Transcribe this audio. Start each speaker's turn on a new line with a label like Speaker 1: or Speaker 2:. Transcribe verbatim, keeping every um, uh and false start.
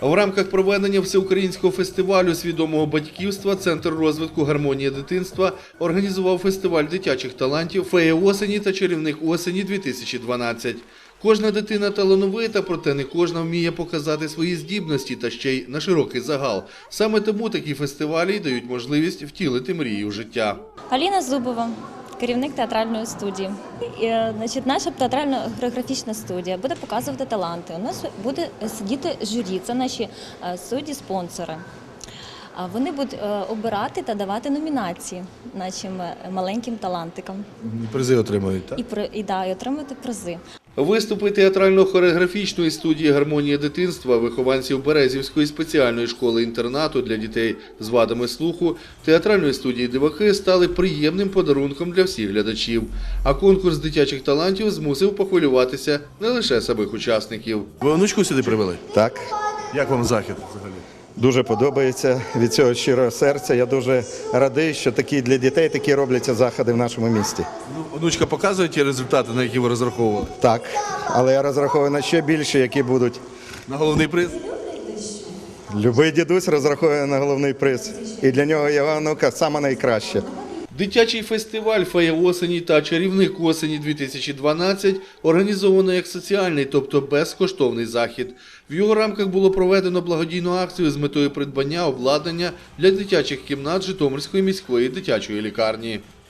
Speaker 1: В рамках проведення всеукраїнського фестивалю свідомого батьківства Центр розвитку гармонії дитинства організував фестиваль дитячих талантів «Фея осені» та «Чарівник осені-дві тисячі дванадцять». Кожна дитина талановита, проте не кожна вміє показати свої здібності та ще й на широкий загал. Саме тому такі фестивалі дають можливість втілити мрії у життя.
Speaker 2: Аліна Зубова, керівник театральної студії. І, значить, наша театрально-хореографічна студія буде показувати таланти. У нас буде сидіти журі, це наші судді-спонсори. Вони будуть обирати та давати номінації нашим маленьким талантикам.
Speaker 1: Призи отримують, так?
Speaker 2: І, і, да, і отримати призи.
Speaker 1: Виступи театрально-хореографічної студії «Гармонія дитинства» вихованців Березівської спеціальної школи-інтернату для дітей з вадами слуху, театральної студії «Диваки» стали приємним подарунком для всіх глядачів. А конкурс дитячих талантів змусив похвилюватися не лише самих учасників.
Speaker 3: Ви онучку сюди привели?
Speaker 4: Так,
Speaker 3: Як вам захід взагалі?
Speaker 4: дуже подобається від цього щирого серця. Я дуже радий, що такі для дітей такі робляться заходи в нашому місті.
Speaker 3: Ну, онучка показує ті результати, на які ви розраховували?
Speaker 4: Так, але я розраховую на ще більше, які будуть.
Speaker 3: На головний приз?
Speaker 4: Любий дідусь розраховує на головний приз. І для нього його онука саме найкраще.
Speaker 1: Дитячий фестиваль «Фея осені» та «Чарівник осені-дві тисячі дванадцять» організовано як соціальний, тобто безкоштовний захід. В його рамках було проведено благодійну акцію з метою придбання обладнання для дитячих кімнат Житомирської міської дитячої лікарні.